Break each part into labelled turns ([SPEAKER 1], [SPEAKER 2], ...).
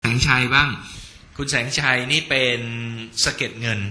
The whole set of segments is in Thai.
[SPEAKER 1] งชัยบ้างคุณแสงชัยนี่เป็นสะเก็ดเงิน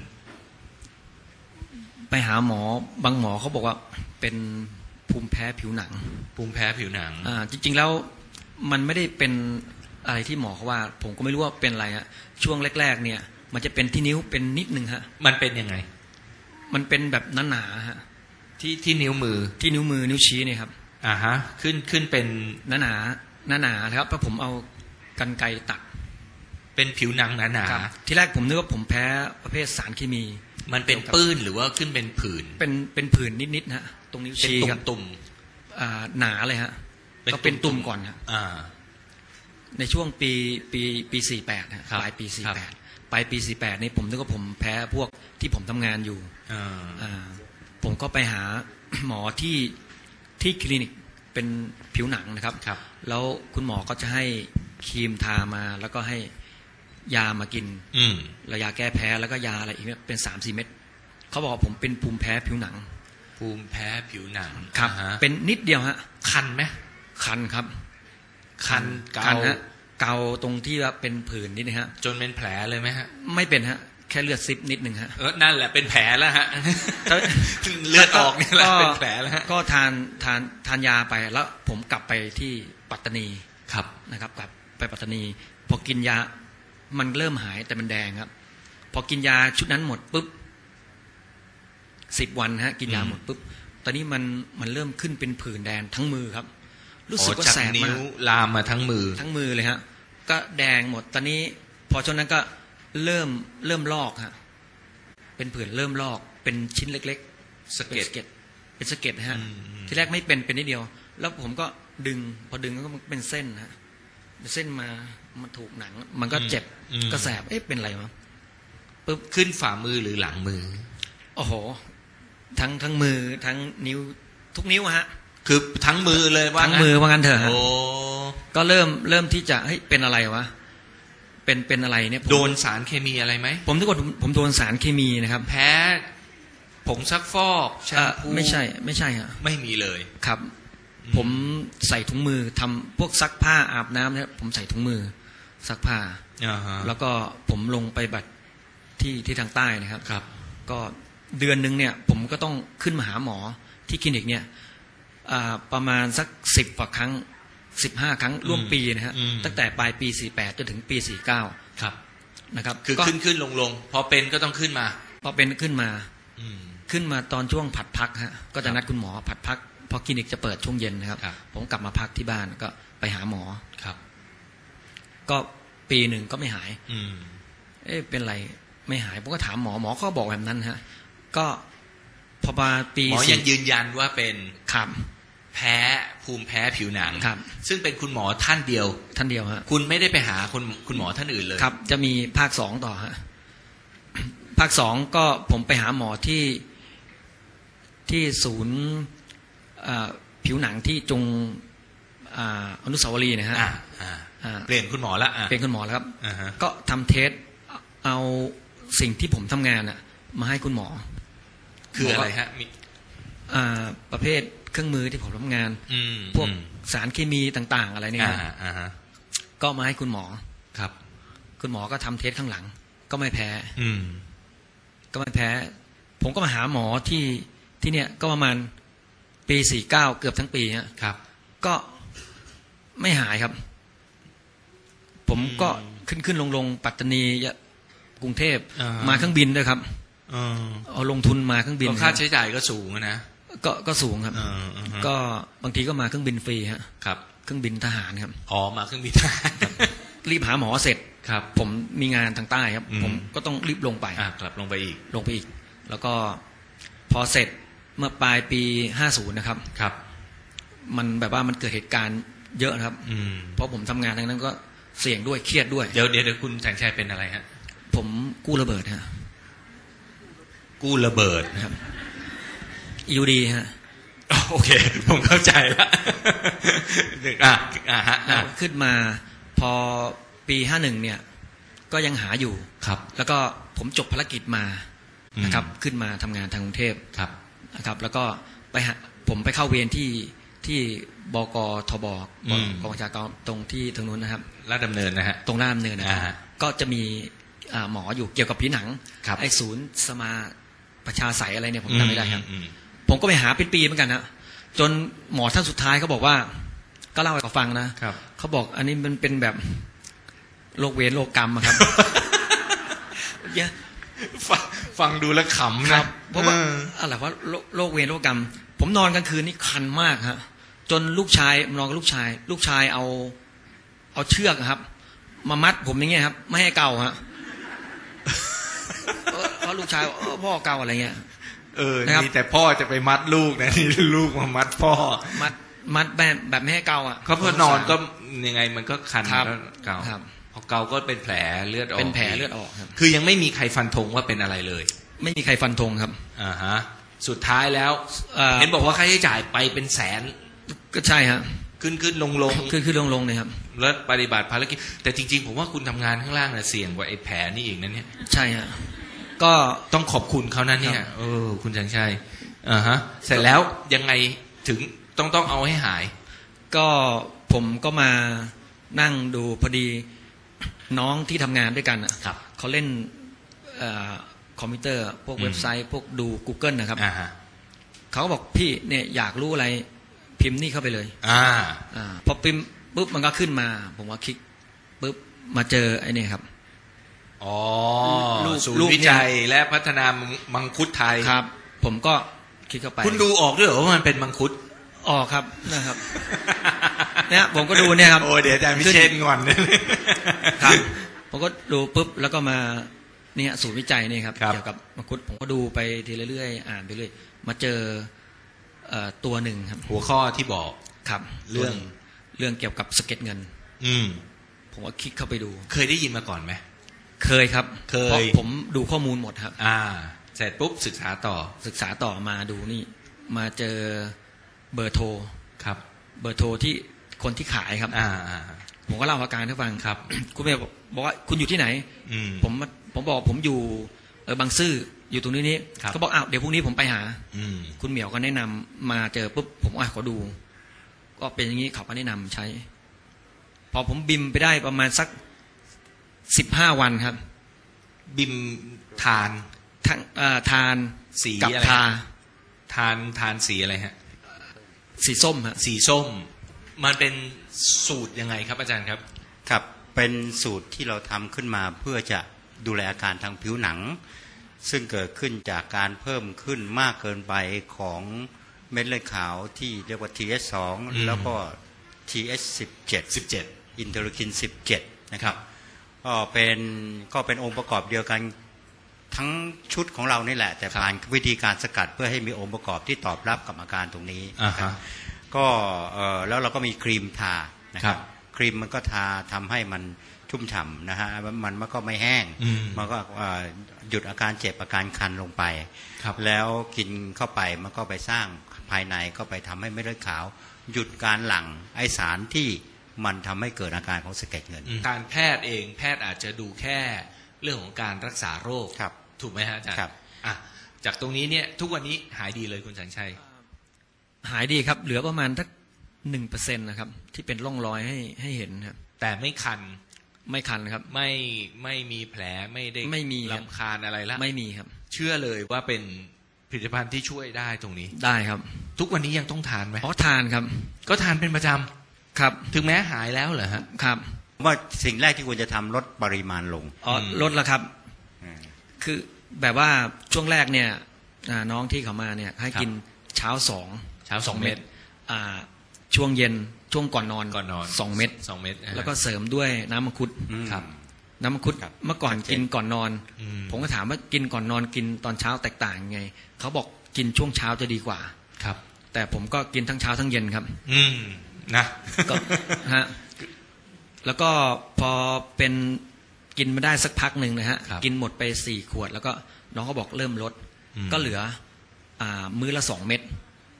[SPEAKER 2] ไปหาหมอบางหมอเขาบอกว่าเป็นภูมิแพ้ผิวหนัง
[SPEAKER 1] ภูมิแพ้ผิวหนัง
[SPEAKER 2] จริงๆแล้วมันไม่ได้เป็นอะไรที่หมอเขาว่าผมก็ไม่รู้ว่าเป็นอะไรฮะช่วงแรกๆเนี่ยมันจะเป็นที่นิ้วเป็นนิดนึงฮะ
[SPEAKER 1] มันเป็นยังไง
[SPEAKER 2] มันเป็นแบบหนาๆฮะ
[SPEAKER 1] ที่นิ้วมือ
[SPEAKER 2] นิ้วชี้เนี่ยครับ
[SPEAKER 1] ฮะขึ้นเป็น
[SPEAKER 2] หนาครับเพราะผมเอากรรไกรตัด
[SPEAKER 1] เป็นผิวหนังหนา
[SPEAKER 2] ๆที่แรกผมนึกว่าผมแพ้ประเภทสารเคมี
[SPEAKER 1] มันเป็นปื้นหรือว่าขึ้นเป็นผื่น
[SPEAKER 2] เป็นผื่นนิดๆฮะตรงนิ้วชี้ครับ
[SPEAKER 1] ตุ่ม
[SPEAKER 2] หนาเลยฮะก็เป็นตุ่มก่อนครับในช่วงปี48ฮะปลายปี48ปลายปี48นี่ผมนึกว่าผมแพ้พวกที่ผมทำงานอยู่ผมก็ไปหาหมอที่คลินิกเป็นผิวหนังนะครับแล้วคุณหมอก็จะให้ครีมทามาแล้วก็ให้ยามากินแล้วยาแก้แพ้แล้วก็ยาอะไรอีกเนี่ยเป็น 3-4 เม็ดเขาบอกว่าผมเป็นภูมิแพ้ผิวหนัง
[SPEAKER 1] ภูมิแพ้ผิวหนัง
[SPEAKER 2] ครับเป็นนิดเดียวฮะ
[SPEAKER 1] คันไหม
[SPEAKER 2] คันครับ
[SPEAKER 1] คัน
[SPEAKER 2] ฮะเกาตรงที่ว่าเป็นผื่นนิดนะฮะ
[SPEAKER 1] จนเป็นแผลเลยไหมฮะ
[SPEAKER 2] ไม่เป็นฮะแค่เลือดซิบนิดนึงฮะ
[SPEAKER 1] นั่นแหละเป็นแผลแล้วฮะเลือดออกนี่แหละเป็นแผลแล้วฮะ
[SPEAKER 2] ก็ทานยาไปแล้วผมกลับไปที่ปัตตานี
[SPEAKER 1] ครับ
[SPEAKER 2] นะครับกลับไปปัตตานีพอกินยามันเริ่มหายแต่มันแดงครับพอกินยาชุดนั้นหมดปุ๊บ10 วันฮะกินยาหมดปุ๊บตอนนี้มันเริ่มขึ้นเป็นผื่นแดงทั้งมือครับรู้สึกว่าแสบมาก
[SPEAKER 1] ลามมาทั้งมือ
[SPEAKER 2] เลยฮะก็แดงหมดตอนนี้พอช่วงนั้นก็เริ่มลอกฮะเป็นผื่นเริ่มลอกเป็นชิ้นเล็กๆสะเก็ดเป็นสะเก็ดฮะที่แรกไม่เป็นนิดเดียวแล้วผมก็ดึงพอดึงก็เป็นเส้นฮะเส้นมาถูกหนังมันก็เจ็บก็แสบเป็นอะไรวะ
[SPEAKER 1] ปุ๊บขึ้นฝ่ามือหรือหลังมือ
[SPEAKER 2] โอ้โหทั้งมือทั้งนิ้วทุกนิ้วฮะ
[SPEAKER 1] คือทั้งมือเลยว่า
[SPEAKER 2] ทั้งมือว่างั้นเถอะฮะก็เริ่มที่จะเป็นอะไรวะเป็นอะไรเนี่ย
[SPEAKER 1] โดนสารเคมีอะไรไหม
[SPEAKER 2] ผมนึกว่าผมโดนสารเคมีนะครับ
[SPEAKER 1] แพ้ผงซักฟอก
[SPEAKER 2] ไม่ใช่ฮะ
[SPEAKER 1] ไม่มีเลย
[SPEAKER 2] ครับผมใส่ถุงมือทำพวกซักผ้าอาบน้ำเนี่ยผมใส่ถุงมือซักผ้าแล้วก็ผมลงไปบัตรที่ทางใต้นะครับก็เดือนนึงเนี่ยผมก็ต้องขึ้นมาหาหมอที่คลินิกเนี่ยประมาณสัก10 กว่าครั้ง15 ครั้งร่วมปีนะฮะตั้งแต่ปลายปี48จนถึงปี49
[SPEAKER 1] ครับ
[SPEAKER 2] นะครับ
[SPEAKER 1] คือขึ้นลงพอเป็นก็ต้องขึ้นมา
[SPEAKER 2] พอเป็นขึ้นมาตอนช่วงผัดพักฮะก็จะนัดคุณหมอผัดพักพอคลินิกจะเปิดช่วงเย็นนะครับผมกลับมาพักที่บ้านก็ไปหาหมอ
[SPEAKER 1] ครับ
[SPEAKER 2] ก็ปีหนึ่งก็ไม่หายเป็นไรไม่หายผมก็ถามหมอก็บอกแบบนั้นฮะก็พอมาปี
[SPEAKER 1] หมอยังยืนยันว่าเป็น
[SPEAKER 2] ครับ
[SPEAKER 1] ภูมิแพ้ผิวหนัง
[SPEAKER 2] ครับ
[SPEAKER 1] ซึ่งเป็นคุณหมอท่านเดียว
[SPEAKER 2] ฮะ
[SPEAKER 1] คุณไม่ได้ไปหาคุณหมอท่านอื่นเลย
[SPEAKER 2] ครับจะมีภาค2ต่อฮะภาค2ก็ผมไปหาหมอที่ศูนย์ผิวหนังที่จงอนุสาวรีย์นะฮะ
[SPEAKER 1] เปลี่ยนคุณหมอแล้ว
[SPEAKER 2] เปลี่ยนคุณหมอแล้วครับก็ทำเทสเอาสิ่งที่ผมทำงานมาให้คุณหมอ
[SPEAKER 1] คืออะไรฮะ
[SPEAKER 2] ประเภทเครื่องมือที่ผมทำงานพวกสารเคมีต่างๆอะไรเนี่ยก็มาให้คุณหมอ
[SPEAKER 1] ครับ
[SPEAKER 2] คุณหมอก็ทำเทสข้างหลังก็ไม่แพ้ผมก็มาหาหมอที่เนี่ยก็ประมาณปี49เกือบทั้งปี
[SPEAKER 1] ครับ
[SPEAKER 2] ก็ไม่หายครับผมก็ขึ้นลงปัตตานีกรุงเทพมาเครื่องบินด้วยครับเอาลงทุนมาเครื่องบิน
[SPEAKER 1] ค่าใช้จ่ายก็สูงนะ
[SPEAKER 2] ก็สูงครับก็บางทีก็มาเครื่องบินฟรีฮะ
[SPEAKER 1] ครับ
[SPEAKER 2] เครื่องบินทหารครับ
[SPEAKER 1] มาเครื่องบินทหาร
[SPEAKER 2] รีบหาหมอเสร็จ
[SPEAKER 1] ครับ
[SPEAKER 2] ผมมีงานทางใต้ครับผมก็ต้องรีบลงไป
[SPEAKER 1] กลับลงไปอีก
[SPEAKER 2] แล้วก็พอเสร็จเมื่อปลายปี50นะครับ
[SPEAKER 1] ครับ
[SPEAKER 2] มันแบบว่ามันเกิดเหตุการณ์เยอะนะครับเพราะผมทำงานทั้งนั้นก็เสี่ยงด้วยเครียดด้วย
[SPEAKER 1] เดี๋ยวคุณแสงชัยเป็นอะไรฮะ
[SPEAKER 2] ผมกู้ระเบิดฮะ
[SPEAKER 1] กู้ระเบิด
[SPEAKER 2] ครับอยู่ดีฮะ
[SPEAKER 1] โอเคผมเข้าใจแล้ว
[SPEAKER 2] ขึ้นมาพอปี51เนี่ยก็ยังหาอยู่
[SPEAKER 1] ครับ
[SPEAKER 2] แล้วก็ผมจบภารกิจมานะครับขึ้นมาทำงานทางกรุงเทพ
[SPEAKER 1] ครับ
[SPEAKER 2] นะครับแล้วก็ผมไปเข้าเวรที่ที่บกทบกองบัญชาการตรงที่ตรงนู้นนะครับ
[SPEAKER 1] ลาดดำเนินนะฮะ
[SPEAKER 2] ตรงลาดดำเนินนะครับก็จะมีหมออยู่เกี่ยวกับผิวหนังไอ้ศูนย์สมาประชาไสอะไรเนี่ยผมจำไม่ได้ครับผมก็ไปหาเป็นปีเหมือนกันนะจนหมอท่านสุดท้ายเขาบอกว่าก็เล่าให้เขาฟังนะเขาบอกอันนี้มันเป็นแบบโรคเวรโรคกรรมครับ
[SPEAKER 1] ฟังดูแล้วขำนะ
[SPEAKER 2] เพราะว่าอะไรว่าโรคเวรโรคกรรมผมนอนกลางคืนนี่คันมากฮะจนลูกชายนอนกับลูกชายเอาเชือกครับมามัดผมอย่างเงี้ยครับไม่ให้เกาฮะเพราะลูกชายพ่อเกาอะไรเงี้ย
[SPEAKER 1] นี่แต่พ่อจะไปมัดลูกนะนี่ลูกมามัดพ่อ
[SPEAKER 2] มัดแบบไม่ให้เกาอ่ะ
[SPEAKER 1] เขาพอนอนก็ยังไงมันก็คันก็เกาพอเกาก็เป็นแผลเลือดออก
[SPEAKER 2] เป็นแผลเลือดออกครับ
[SPEAKER 1] คือยังไม่มีใครฟันธงว่าเป็นอะไรเลย
[SPEAKER 2] ไม่มีใครฟันธงครับ
[SPEAKER 1] ฮะสุดท้ายแล้วเห็นบอกว่าค่าใช้จ่ายไปเป็นแสน
[SPEAKER 2] ก็ใช่ฮะ
[SPEAKER 1] ขึ้นลง
[SPEAKER 2] ขึ้นลงเนี่ยครับ
[SPEAKER 1] แล้วปฏิบัติภารกิจแต่จริงๆผมว่าคุณทำงานข้างล่างเนี่ยเสี่ยงกว่าไอ้แผลนี่อีกนั่นเนี่ย
[SPEAKER 2] ใช่ฮะก็
[SPEAKER 1] ต้องขอบคุณเขานั่นเนี่ยคุณชังชัยฮะเสร็จแล้วยังไงถึงต้องเอาให้หาย
[SPEAKER 2] ก็ผมก็มานั่งดูพอดีน้องที่ทำงานด้วยกันเขาเล่นคอมพิวเตอร์พวกเว็บไซต์พวกดู Google นะครับเขาก็บอกพี่เนี่ยอยากรู้อะไรพิมพ์นี่เข้าไปเลยพอพิมพ์ปุ๊บมันก็ขึ้นมาผมว่าคลิกปุ๊บมาเจอไอ้นี่ครับ
[SPEAKER 1] ศูนย์วิจัยและพัฒนามังคุดไทย
[SPEAKER 2] ครับผมก็คลิกเข้าไป
[SPEAKER 1] คุณดูออกด้วยเหรอว่ามันเป็นมังคุด
[SPEAKER 2] ออกครับนะครับเนี่ยผมก็ดูเนี่ยครับ
[SPEAKER 1] โอ้เดี๋ยวอาจารย์พิเชษงอน
[SPEAKER 2] ครับผมก็ดูปุ๊บแล้วก็มาเนี่ยศูนย์วิจัยนี่ครับเกี่ยวกับมังคุดผมก็ดูไปทีเรื่อยๆอ่านไปเรื่อยมาเจอตัวหนึ่งครับ
[SPEAKER 1] หัวข้อที่บอก
[SPEAKER 2] ครับเรื่องเกี่ยวกับสะเก็ดเงินผมก็คลิกเข้าไปดู
[SPEAKER 1] เคยได้ยินมาก่อนไหม
[SPEAKER 2] เคยครับเพราะผมดูข้อมูลหมดครับ
[SPEAKER 1] เสร็จปุ๊บศึกษาต่อ
[SPEAKER 2] มาดูนี่มาเจอเบอร์โทร
[SPEAKER 1] ครับ
[SPEAKER 2] เบอร์โทรที่คนที่ขายครับผมก็เล่าอาการให้ฟัง
[SPEAKER 1] ครับ
[SPEAKER 2] คุณแม่บอกว่าคุณอยู่ที่ไหนผมบอกผมอยู่บางซื่ออยู่ตรงนี้เขาบอกเดี๋ยวพรุ่งนี้ผมไปหาคุณเหมียวก็แนะนำมาเจอปุ๊บผมขอดูก็เป็นอย่างนี้เขาก็แนะนำใช้พอผมบิมไปได้ประมาณสัก15 วันครับ
[SPEAKER 1] บิมทาน
[SPEAKER 2] สีกับ
[SPEAKER 1] ทานสีอะไรฮะ
[SPEAKER 2] สีส้มฮะ
[SPEAKER 1] สีส้มมันเป็นสูตรยังไงครับอาจารย์ครับ
[SPEAKER 3] ครับเป็นสูตรที่เราทำขึ้นมาเพื่อจะดูแลอาการทางผิวหนังซึ่งเกิดขึ้นจากการเพิ่มขึ้นมากเกินไปของเม็ดเลือดขาวที่เรียกว่า TH2 แล้วก็ TH17 อินเทอร์คิน17นะครับก็เป็นองค์ประกอบเดียวกันทั้งชุดของเรานี่แหละแต่ผ่านวิธีการสกัดเพื่อให้มีองค์ประกอบที่ตอบรับกับอาการตรงนี้ก็แล้วเราก็มีครีมทานะครับครีมมันก็ทาทำให้มันชุ่มฉ่ำนะฮะมันก็ไม่แห้งมันก็หยุดอาการเจ็บอาการคันลงไปแล้วกินเข้าไปมันก็ไปสร้างภายในก็ไปทำให้เม็ดเลือดขาวหยุดการหลั่งไอสารที่มันทำให้เกิดอาการของสะเก็ดเงิน
[SPEAKER 1] การแพทย์เองแพทย์อาจจะดูแค่เรื่องของการรักษาโรคถูกไหมฮะอาจารย์จากตรงนี้เนี่ยทุกวันนี้หายดีเลยคุณสังชัย
[SPEAKER 2] หายดีครับเหลือประมาณสัก 1% นะครับที่เป็นร่องรอยให้เห็นครับ
[SPEAKER 1] แต่ไม่คัน
[SPEAKER 2] ครับ
[SPEAKER 1] ไม่มีแผลไม่มีรำคาญอะไรแล้ว
[SPEAKER 2] ไม่มีครับ
[SPEAKER 1] เชื่อเลยว่าเป็นผลิตภัณฑ์ที่ช่วยได้ตรงนี้
[SPEAKER 2] ได้ครับ
[SPEAKER 1] ทุกวันนี้ยังต้องทานไหม
[SPEAKER 2] ทานครับ
[SPEAKER 1] ก็ทานเป็นประจ
[SPEAKER 2] ำครับ
[SPEAKER 1] ถึงแม้หายแล้วเหรอฮะ
[SPEAKER 2] ครับ
[SPEAKER 3] ว่าสิ่งแรกที่ควรจะทำลดปริมาณลง
[SPEAKER 2] ลดแล้วครับคือแบบว่าช่วงแรกเนี่ยน้องที่เขามาเนี่ยให้กินเช้า2 เม็ดช่วงเย็นช่วงก่อนนอน2 เม็ดแล้วก็เสริมด้วยน้ำมังคุด
[SPEAKER 1] ครับ
[SPEAKER 2] น้ำมังคุดเมื่อก่อนกินก่อนนอนผมก็ถามว่ากินก่อนนอนกินตอนเช้าแตกต่างยังไงเขาบอกกินช่วงเช้าจะดีกว่า
[SPEAKER 1] ครับ
[SPEAKER 2] แต่ผมก็กินทั้งเช้าทั้งเย็นครับ
[SPEAKER 1] นะ
[SPEAKER 2] ก็ฮะแล้วก็พอเป็นกินมาได้สักพักหนึ่งนะฮะกินหมดไป4 ขวดแล้วก็น้องเขาบอกเริ่มลดก็เหลือมื้อละ2 เม็ด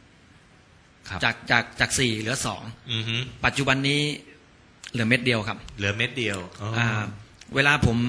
[SPEAKER 2] จาก4เหลือ2ปัจจุบันนี้เหลือเม็ดเดียวครับ
[SPEAKER 1] เหลือเม็ดเดียว
[SPEAKER 2] เวลาผม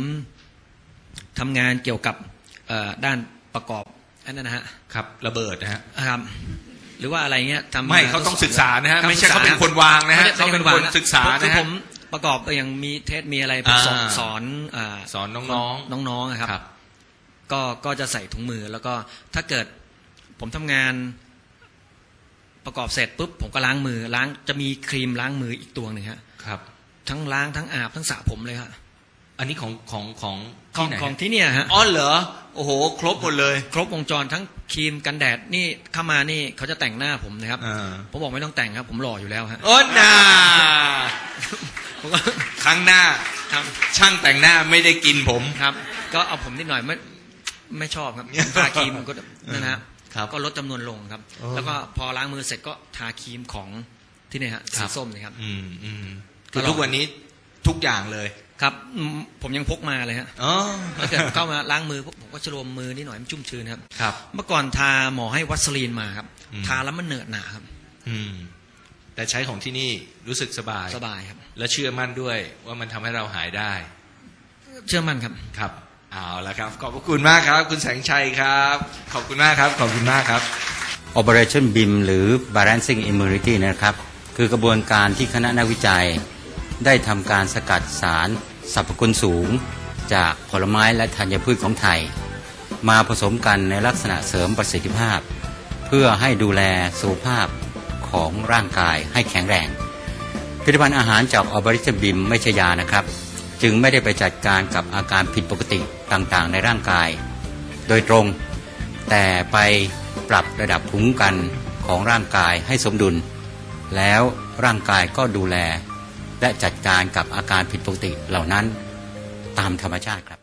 [SPEAKER 2] ทำงานเกี่ยวกับด้านประกอบอันนั้นนะฮะ
[SPEAKER 1] ครับระเบิดนะฮะ
[SPEAKER 2] ครับหรือว่าอะไรเงี้ยทำ
[SPEAKER 1] ไม่เขาต้องศึกษานะฮะไม่ใช่เขาเป็นคนวางนะฮะเขาเป็นคนศึกษานะฮะ
[SPEAKER 2] ผมประกอบอย่างมีเทสมีอะไรสอนน้องๆครับก็จะใส่ถุงมือแล้วก็ถ้าเกิดผมทำงานประกอบเสร็จปุ๊บผมก็ล้างมือจะมีครีมล้างมืออีกตัวหนึ่งครับทั้งล้างทั้งอาบทั้งสระผมเลยครับ
[SPEAKER 1] อันนี้ของ
[SPEAKER 2] ที่เนี่ยฮะ
[SPEAKER 1] อ๋อเหรอโอ้โหครบหมดเลย
[SPEAKER 2] ครบวงจรทั้งครีมกันแดดนี่เข้ามานี่เขาจะแต่งหน้าผมนะครับผมบอกไม่ต้องแต่งครับผมหล่ออยู่แล้วฮะ
[SPEAKER 1] โอ้น่าครั้งหน้าช่างแต่งหน้าไม่ได้กินผม
[SPEAKER 2] ครับก็เอาผมนิดหน่อยไม่ชอบครับทาครีมก็นั่นนะก็ลดจำนวนลงครับแล้วก็พอล้างมือเสร็จก็ทาครีมของที่นี่ฮะสีส้มนี่ครับ
[SPEAKER 1] คือทุกวันนี้ทุกอย่างเลย
[SPEAKER 2] ครับผมยังพกมาเลยฮะถ้าเกิดเข้ามาล้างมือผมก็ชโลมมือนิดหน่อยมันชุ่มชื้นครับเมื่อก่อนทาหมอให้วัสลีนมาครับทาแล้วมันเหนอะหนาครับ
[SPEAKER 1] แต่ใช้ของที่นี่รู้สึกสบาย
[SPEAKER 2] ครับ
[SPEAKER 1] และเชื่อมั่นด้วยว่ามันทำให้เราหายได้
[SPEAKER 2] เชื่อมั่นครับ
[SPEAKER 1] ครับเอาละครับขอบคุณมากครับคุณแสงชัยครับขอบคุณมากครับขอบคุณมากครับ
[SPEAKER 3] Operation BIM หรือ Balancing Immunity นะครับคือกระบวนการที่คณะนักวิจัยได้ทำการสกัดสารสรรพคุณสูงจากผลไม้และธัญพืชของไทยมาผสมกันในลักษณะเสริมประสิทธิภาพเพื่อให้ดูแลสุขภาพของร่างกายให้แข็งแรงผลิตภัณฑ์อาหารจาก Operation BIM ไม่ใช่ยานะครับจึงไม่ได้ไปจัดการกับอาการผิดปกติต่างๆในร่างกายโดยตรงแต่ไปปรับระดับภูมิคุ้มกันของร่างกายให้สมดุลแล้วร่างกายก็ดูแลและจัดการกับอาการผิดปกติเหล่านั้นตามธรรมชาติครับ